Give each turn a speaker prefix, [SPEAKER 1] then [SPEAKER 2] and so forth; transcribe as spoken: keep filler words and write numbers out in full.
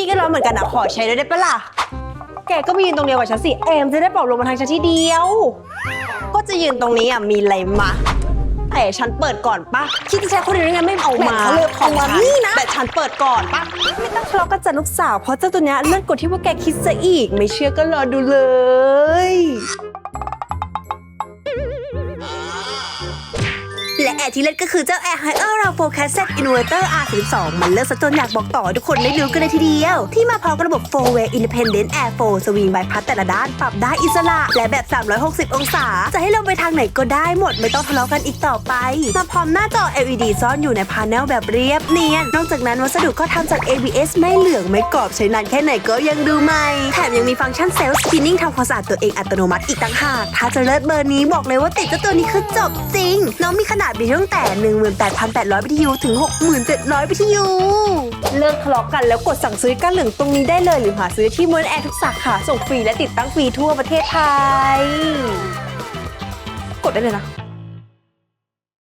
[SPEAKER 1] ก็ร้อนเหมือนกันนะขอใช้ด้วยได้ปะล่ะแกก็มายืนตรงเดียวกับฉันสิเอมจะได้ปลอบลมมาทางฉันที่เดียวก็จะยืนตรงนี้อ่ะมีอะไรมาแต่ฉันเปิดก่อนปะคิดจะใช้คนอื่นยังไงไม่เอามาเขาเลือกของฉันแต่ฉันเปิดก่อนปะไม่ต้องทะเลาะกันจ้ะลูกสาวเพราะเจ้าตัวเนี้ยเลื่อนกดที่ว่าแกคิดซะอีกไม่เชื่อก็รอดูเลยและแอร์ที่เล่นก็คือเจ้า Air Haier Round Forecasted Inverter อาร์ สามสิบสอง มันเลิศซะจนอยากบอกต่อทุกคนได้รู้กันเลยทีเดียวที่มาพร้อมกับระบบ โฟร์ เวย์ Independent Airflow Swing Bypass แต่ละด้านปรับได้อิสระและแบบสามร้อยหกสิบองศาจะให้ลงไปทางไหนก็ได้หมดไม่ต้องทะเลาะกันอีกต่อไปมาพร้อมหน้าจอ แอล อี ดี ซ่อนอยู่ในพาเนลแบบเรียบเนียนนอกจากนั้นวัสดุก็ทำจาก เอ บี เอส ไม่เหลืองไม่กรอบใช้นานแค่ไหนก็ยังดูใหม่แถมยังมีฟังก์ชัน Self Cleaning ทำความสะอาดตัวเองอัตโนมัติอีกต่างหากถ้าจะเลิศเบอร์นี้บอกเลยว่าติดเจ้าตัวนี้คือจบจริงน้องมีขนาดบิตตั้งแต่ หนึ่งหมื่นแปดพันแปดร้อย บี ที ยู ถึง หกหมื่นเจ็ดร้อย บี ที ยู เลิกทะเลาะกันแล้วกดสั่งซื้อกันเหลืองตรงนี้ได้เลยหรือหาซื้อที่มอนแอร์ทุกสาขาส่งฟรีและติดตั้งฟรีทั่วประเทศไทยกดได้เลยนะ